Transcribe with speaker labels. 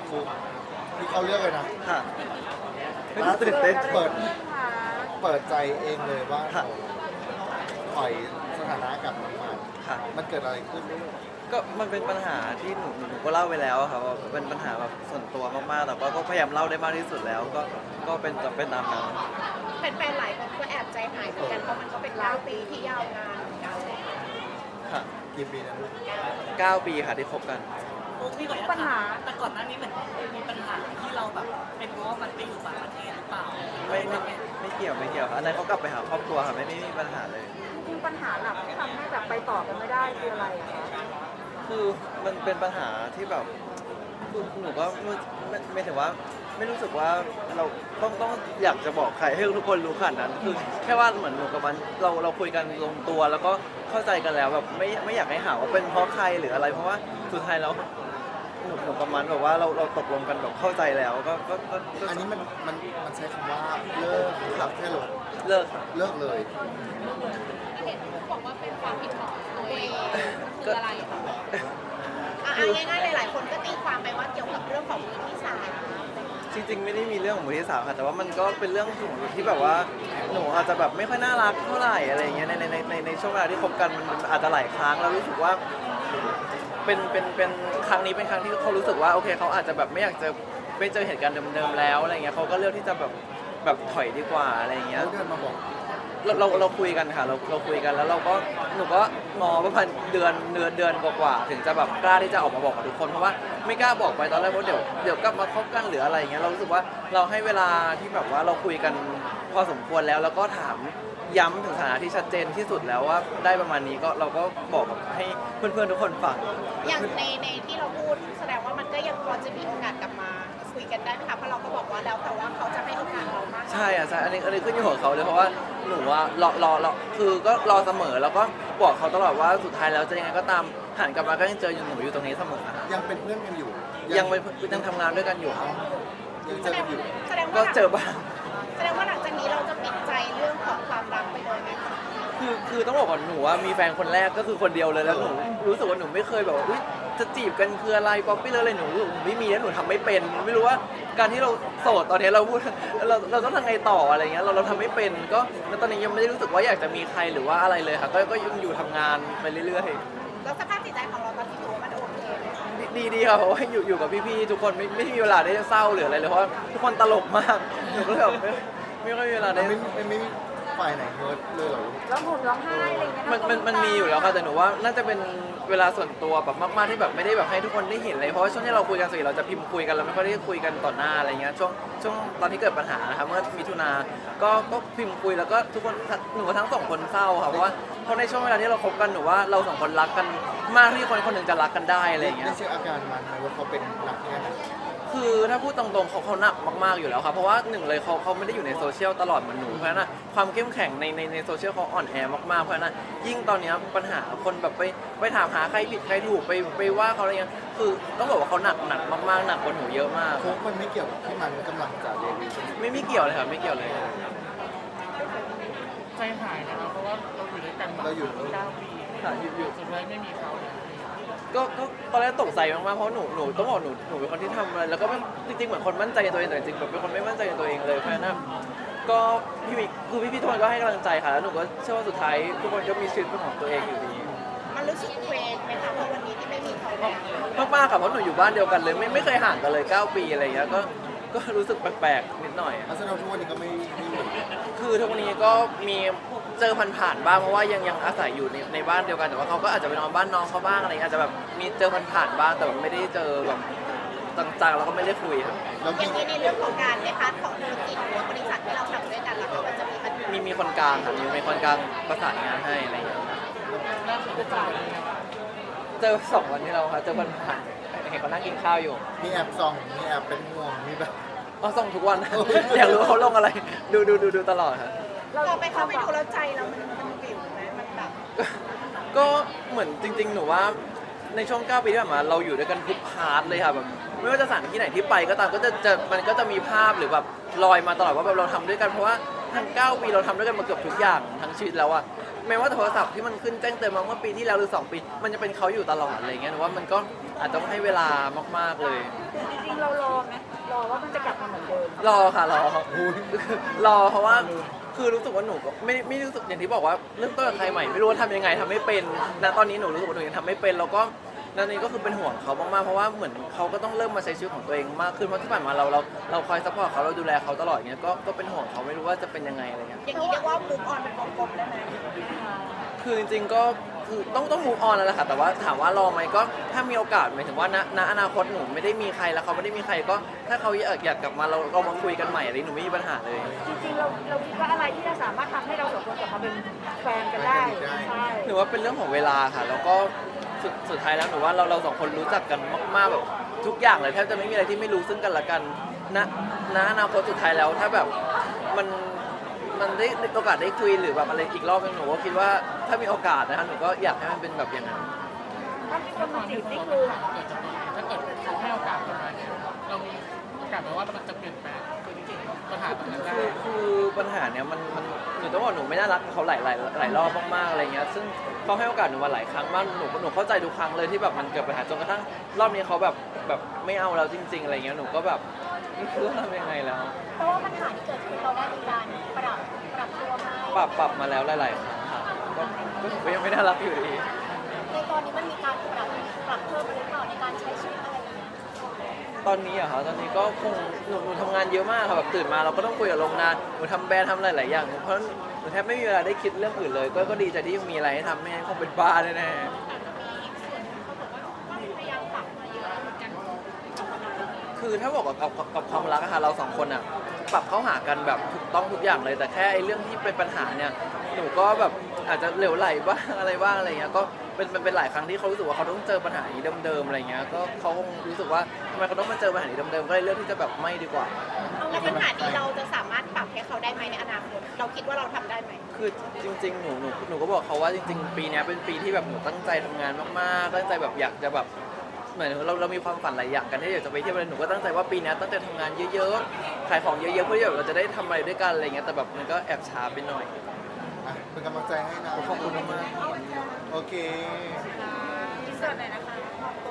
Speaker 1: ฟุกที่เขาเลือกเลยนะ
Speaker 2: ค่ะ
Speaker 1: ล่าสุ
Speaker 2: ตื่
Speaker 1: ด
Speaker 2: นเต้น
Speaker 1: เปิดใจเองเลยว่า
Speaker 2: ค่ะ
Speaker 1: ปล่อยสถานะกับน้องมัน
Speaker 2: ค่ะ
Speaker 1: มันเกิดอะไรขึ้น
Speaker 2: ก็มันเป็นปัญหาที่หนูก็เล่าไปแล้วอะครับว่าเป็นปัญหาแบบส่วนตัวมากๆแต่ก็พยายามเล่าได้มากที่สุดแล้วก็เป็นตามนั้น
Speaker 3: แฟนๆหลายคนก็แอบใจหายเหมือนกันเพราะมันก็เป็น9 ปีที่ยาวนานเหมือนกัน
Speaker 2: ค่ะ
Speaker 1: กี่ปีนะลูก
Speaker 2: 9 ปีค่ะที่คบกัน
Speaker 4: พี่ขออนุญาตถามแต่ก่อนหน้านี้เหมือนมีปัญหาที่เราแบบเป็นเพราะว่ามันไปอยู่ต่างประเทศหรือเปล่า
Speaker 2: ไม่เกี่ยวค่ะอันนั้นเขากลับไปหาครอบครัวค่ะไม่มีปัญหาเลย
Speaker 5: จริงๆปัญหาหลักที่ทำให้แบบไปต่อกันไม่ได้คืออะไรอะคะ
Speaker 2: คือมันเป็นปัญหาที่แบบคือหนูก็ไม่ถึงว่าไม่รู้สึกว่าเราต้องอยากจะบอกใครให้ทุกคนรู้ขนาดนั้นคือแค่ว่าเหมือนหนูกับมันเราคุยกันลงตัวแล้วก็เข้าใจกันแล้วแบบไม่อยากให้หาว่าเป็นเพราะใครหรืออะไร เพราะว่าสุดท้ายแล้วหนูกับมันแบบว่าเราตกลงกันแบบเข้าใจแล้วก็
Speaker 1: อันนี้มันใช้คำว่าเลิกครับแค่ลง
Speaker 2: เลิกค่ะ
Speaker 1: เลิกเลย
Speaker 3: เห็นบอกว่าเป็นความผิดของตัวเองคืออะไรคะง่ายๆหลายๆคนก็ตีความไปว่าเกี่ยวกับเรื่องของมือที่สาม
Speaker 2: จริงๆไม่ได้มีเรื่องของมือที่สามค่ะแต่ว่ามันก็เป็นเรื่องของหนูที่แบบว่าหนูอาจจะแบบไม่ค่อยน่ารักเท่าไหร่อะไรอย่างเงี้ยในช่วงเวลาที่คบกันมันอาจจะหลายครั้งแล้วรู้สึกว่าเป็นครั้งนี้เป็นครั้งที่เขารู้สึกว่าโอเคเขาอาจจะแบบไม่อยากจะไม่เจอเหตุการณ์เดิมๆแล้วอะไรเงี้ยเขาก็เลือกที่จะแบบถอยดีกว่าอะไรอย่างเงี้ย
Speaker 1: เขาเดินมาบอก
Speaker 2: เราคุยกันค่ะเราคุยกันแล้วหนูก็งอประมาณเดือนกว่าๆถึงจะแบบกล้าที่จะออกมาบอกกับทุกคนเพราะว่าไม่กล้าบอกไปตอนแรกว่าเดี๋ยวกลับมาคบกันหรืออะไรอย่างเงี้ยเรารู้สึกว่าเราให้เวลาที่แบบว่าเราคุยกันพอสมควรแล้วก็ถามย้ำถึงสถานะที่ชัดเจนที่สุดแล้วว่าได้ประมาณนี้ก็เราก็บอกกับให้เพื่อนๆทุกคนฟัง
Speaker 3: อย่างในที่เราพูดแสดงว่ามันก็ยังพอจะมีโอกาสกลับมาคุยกันได้ไหมคะเพราะเราก็บอกว่าแล้วแต่ว่าเขาจะให้โอกาสเรามาก
Speaker 2: ใช่อ่ะใช่อันนี้ขึ้นอยู่กับเขาเลยเพราะว่าหนูว่ารอคือก็รอเสมอแล้วก็บอกเขาตลอดว่าสุดท้ายแล้วจะยังไงก็ตามหันกลับมาก็ยังเจอหนูอยู่ตรงนี้เสมอค่ะ
Speaker 1: ยังเป็นเพื่อนกันอยู่
Speaker 2: ยังทำงานด้วยกันอยู่ครับ
Speaker 1: ยังเจอกันอยู่
Speaker 3: แสดง
Speaker 2: ก็
Speaker 3: ว่า
Speaker 2: เจอบ้าง
Speaker 3: แสดงว่าหลังจากนี้เราจะปิดใจเรื่องของความรักไปเลยไหมคะ
Speaker 2: คือต้องบอกก่อนหนูว่ามีแฟนคนแรกก็คือคนเดียวเลยแล้วหนูรู้สึกว่าหนูไม่เคยแบบว่าอุ๊ยจะจีบกันคืออะไรป๊อปปี้เลยอะไรหนูรู้สึกไม่มีแล้วหนูทำไม่เป็นไม่รู้ว่าการที่เราโสดตอนนี้เราพูดเราต้องทำไงต่ออะไรเงี้ยเราทำไม่เป็นก็แล้วตอนนี้ยังไม่ได้รู้สึกว่าอยากจะมีใครหรือว่าอะไรเลยค่ะก็ยังอยู่ทำงานไปเรื่อยๆ
Speaker 3: แล้วสภาพจิตใจของเราตอนที่ถือว่ามันโอเคไหมคะ
Speaker 2: ดีครับเพราะว่าอยู่กับพี่ๆทุกคนไม่มีเวลาได้เศร้าหรืออะไรเลยเพราะว่าทุกคนตลกมากหนูก็เลยแบบไม่ค่อยมีเวลาได้
Speaker 1: ไม่มีฝ่ายไหนเฮิร์ตเลยเหรอลูก
Speaker 5: ร้องห่มร้องไห้อะไรอย่างเงี้ย
Speaker 2: มันมีอยู่แล้วค่ะแต่หนูว่าน่าจะเป็นเวลาส่วนตัวแบบมากๆที่แบบไม่ได้แบบให้ทุกคนได้เห็นเลยเพราะว่าช่วงที่เราคุยกันส่วนใหญ่เราจะพิมพ์คุยกันเราไม่ค่อยได้คุยกันต่อหน้าอะไรเงี้ยช่วงตอนที่เกิดปัญหานะครับเมื่อมิถุนาก็พิมพ์คุยแล้วก็ทุกคนหนูทั้งสองคนเศร้าค่ะเพราะว่าในช่วงเวลาที่เราคบกันหนูว่าเราสองคนรักกันมากที่คนหนึ่งจะรักกันได้อะไรเงี้ย
Speaker 1: ได้เช็คอาการมันไหมว่าเขาเป็นหนักแค่ไหน
Speaker 2: คือถ้าพูดตรงๆเขาหนักมากๆอยู่แล้วครับเพราะว่าหนึ่งเลยเขาไม่ได้อยู่ในโซเชียลตลอดเหมือนหนูเพราะฉะนั้นความเข้มแข็งในโซเชียลเขาอ่อนแอมากๆเพราะฉะนั้นยิ่งตอนนี้ปัญหาคนแบบไปถามหาใครผิดใครถูกไปว่าเขาอะไรเงี้ยคือต้องบอกว่าเขาหนักมากๆหนักกว่าหนูเยอะมาก
Speaker 1: โค้งมันไม่เกี่ยวกับที่มันกำลังจะเรียนรู้
Speaker 2: ไม่เกี่ยวเลยครับไม่เกี่ยวเลย
Speaker 4: ใจหายนะครับเพราะว่าเราอยู่ด้วยกันมา
Speaker 1: เราอยู่
Speaker 4: 9 ปี
Speaker 2: ค่ะอยู่
Speaker 4: สุดท้ายไม่มีเขาเนี่ย
Speaker 2: ก็ตอนแรกตกใจมากๆเพราะหนูต้องบอกหนูเป็นคนที่ทำอะไรแล้วก็จริงๆเหมือนคนมั่นใจในตัวเองแต่จริงๆแบบเป็นคนไม่มั่นใจในตัวเองเลยเพราะฉะนั้นก็พี่ทุกคนก็ให้กำลังใจค่ะแล้วหนูก็เชื่อว่าสุดท้ายทุกคนก็มีชีวิตเป็นของตัวเองอยู่ดี
Speaker 3: มันรู้สึกเคว้งไหมคะเพราะวันนี้ที่ไม่มีเขาแล้ว
Speaker 2: มากๆค่ะเพราะหนูอยู่บ้านเดียวกันเลยไม่เคยห่างกันเลย9 ปีอะไรอย่างเงี้ยก็รู้สึกแปลกๆนิดหน่อย
Speaker 1: ลักษณะทุกวันนี้ก็ไม่เหมือน
Speaker 2: คือทุกวันนี้ก็มีเจอผ่านๆบ้างเพราะว่ายังอาศัยอยู่ในบ้านเดียวกันแต่ว่าเขาก็อาจจะไปนอนบ้านน้องเขาบ้างอะไรเงี้ยอาจจะแบบมีเจอผ่านๆบ้างแต่ว่าไม่ได้เจอแบบจังๆแล้วก็ไม่ได้คุยครับ
Speaker 1: แล้ว
Speaker 3: อย่างนี้ในเรื่องของการในพาร์ทของธุรกิจหรือว่าบริษัทที่เราทำด้วยกันล่ะคะมันจะมีปัญหา
Speaker 2: มีคนกลางค่ะมีคนกลางประสานงานให้อะไรเงี้ย
Speaker 4: น่าสนใจ
Speaker 2: เจอ2 วันที่เราค่ะเจอผ่านๆเห็นเขานั่งกินข้าวอยู่
Speaker 1: มีแอบส่องมีแอบเป็นห่วงมีแบบ
Speaker 2: อ๋อส่งทุกวัน อยากรู้ว่าเขาลงอะไรดูตลอดค่ะ
Speaker 3: เราไปเข้าไปดูแล้วใจเรามันวิวไหมมันแบบ
Speaker 2: ก็เหมือนจริงๆ หนูว่าในช่วง9 ปีที่ผ่านมาเราอยู่ด้วยกันทุกพาร์ทเลยค่ะแบบไม่ว่าจะสถานที่ไหนที่ไปก็ตามมันก็จะมีภาพหรือแบบลอยมาตลอดว่าแบบเราทำด้วยกันเพราะว่าทั้ง9 ปีเราทำด้วยกันมาเกือบทุกอย่างทั้งชีวิตแล้วอะแม้ว่าโทรศัพท์ที่มันขึ้นแจ้งเตือนมาเมื่อปีที่แล้วหรือ2 ปีมันจะเป็นเขาอยู่ตลอดอะไรเงี้ยหนูว่ามันก็อาจจะต้องให้เวลามากๆเลย
Speaker 5: จริงๆเรารอไหมรอว่ามันจะกลับมาเหมือนเดิม
Speaker 2: รอค่ะรอรอเพราะว่าคือรู้สึกว่าหนูก็ไม่รู้สึกอย่างที่บอกว่าเริ่มต้นกับใครใหม่ไม่รู้ว่าทำยังไงทำไม่เป็นณตอนนี้หนูรู้สึกว่าหนูยังทำไม่เป็นแล้วก็นั่นนี่ก็คือเป็นห่วงเขามากๆเพราะว่าเหมือนเขาก็ต้องเริ่มมาใช้ชีวิตของตัวเองมากขึ้นเพราะที่ผ่านมาเราคอยซัพพอร์ตเขาเราดูแลเขาตลอดเงี้ยก็เป็นห่วงเขาไม่รู้ว่าจะเป็นยังไงอะไรเงี้ย
Speaker 3: อย่างนี้เรียกว่ามุกออนเป็นวงกลมได้ไหม
Speaker 2: คือจริงๆก็คือต้องมูฟออนแล้วแหละค่ะแต่ว่าถามว่ารอไหมก็ถ้ามีโอกาสหมายถึงว่าณอนาคตหนูไม่ได้มีใครแล้วเขาไม่ได้มีใครก็ถ้าเขาอยากกลับมาเรามาคุยกันใหม่อะไรหนูไม่มีปัญหาเลย
Speaker 5: จริงๆเราคิดว่าอะไรที่จะสามารถทำให้เราสองคนกลับมาเป็นแฟนกันได้ใช่
Speaker 2: หนูว่าเป็นเรื่องของเวลาค่ะ แล้วก็สุดท้ายแล้วหนูว่าเราสองคนรู้จักกันมากๆแบบทุกอย่างเลยแทบจะไม่มีอะไรที่ไม่รู้ซึ่งกันและกันณอนาคตสุดท้ายแล้วถ้าแบบมันได้โอกาสได้คุยหรือแบบอะไรอีกรอบนึงหนูก็คิดว่าถ้ามีโอกาสนะคะหนูก็อยากให้มันเป็นแบบอย่างนั้น
Speaker 5: ถ้ามีคนมาจีบนี่คือ
Speaker 6: ถ้าเกิดเขาให้โอกาสเรามาเนี่ยเรามีโอกาสไหมว่ามันจะเปลี่ยนแปลงปัญหาตรงนั้นได้
Speaker 2: คือปัญหาเนี้ยมันหนูต้องบอกหนูไม่น่ารักกับเขาหลายรอบมากๆอะไรเงี้ยซึ่งเขาให้โอกาสหนูมาหลายครั้งมากหนูเข้าใจทุกครั้งเลยที่แบบมันเกิดปัญหาจนกระทั่งรอบนี้เขาแบบไม่เอาเราจริง ๆอะไรเงี้ยหนูก็แบบไม่รู้จะทำยังไงแล้ว
Speaker 3: เพราะว่าปัญหาที่เกิดขึ้นเราได้มีการปรับตัวมา
Speaker 2: ปรับมาแล้วหลายๆครั้งค่ะก็ยังไม่น่ารักอยู่ดี
Speaker 3: ในตอนนี้มันมีการปรับเพิ่มหรือเปล่าในการใช้ชีวิตอะไรอย่างเงี้ย
Speaker 2: ตอนนี้อะค่ะตอนนี้ก็คงหนูทำงานเยอะมากค่ะแบบตื่นมาเราก็ต้องคุยกับโรงงานหนูทำแบรนด์ทำหลายๆอย่างเพราะหนูแทบไม่มีเวลาได้คิดเรื่องอื่นเลยก็ดีใจที่ยังมีอะไรให้ทำไม่งั้นคงเป็นบ้าแน่ๆ
Speaker 3: พยายามปรับมาเยอะเหมือนกัน
Speaker 2: คือถ้าบอกกับความรักอะค่ะเราสองคนอะปรับเข้าหากันแบบถูกต้องทุกอย่างเลยแต่แค่ไอ้เรื่องที่เป็นปัญหาเนี่ยหนูก็แบบอาจจะเหลวไหลบ้างอะไรบ้างอะไรเงี้ยก็เป็นหลายครั้งที่เขารู้สึกว่าเขาต้องเจอปัญหานี้เดิมๆอะไรเงี้ยก็เขาคงรู้สึกว่าทำไมเขาต้องมาเจอปัญหานี้เดิมๆก็เลยเลือกที่จะแบบไม่ดีกว่า
Speaker 3: แล้วปัญหานี้เราจะสามารถปรับให้เขาได้ไหมในอนาคตเราคิดว่าเราทำได้ไหม
Speaker 2: คือจริงๆหนูก็บอกเขาว่าจริงๆปีเนี้ยเป็นปีที่แบบหนูตั้งใจทำงานมากๆตั้งใจแบบอยากจะแบบเหมือนเรามีความฝันหลายอย่างกันที่อยากจะไปเที่ยวอะไรหนูก็ตั้งใจว่าปีเนี้ยตั้งใจทำงานเยอะๆขายของเยอะๆเพื่อที่แบบเราจะได้ทำอะไรด้วยกันอะไรเงี้ยแต่แบบมันก็แอบช้าไปหน่อย
Speaker 1: อ่ะเป็นกำลังใจให้นะ
Speaker 2: ขอบคุณมากๆ
Speaker 1: โอเค
Speaker 5: อินเสิร์ตหน่อยนะคะ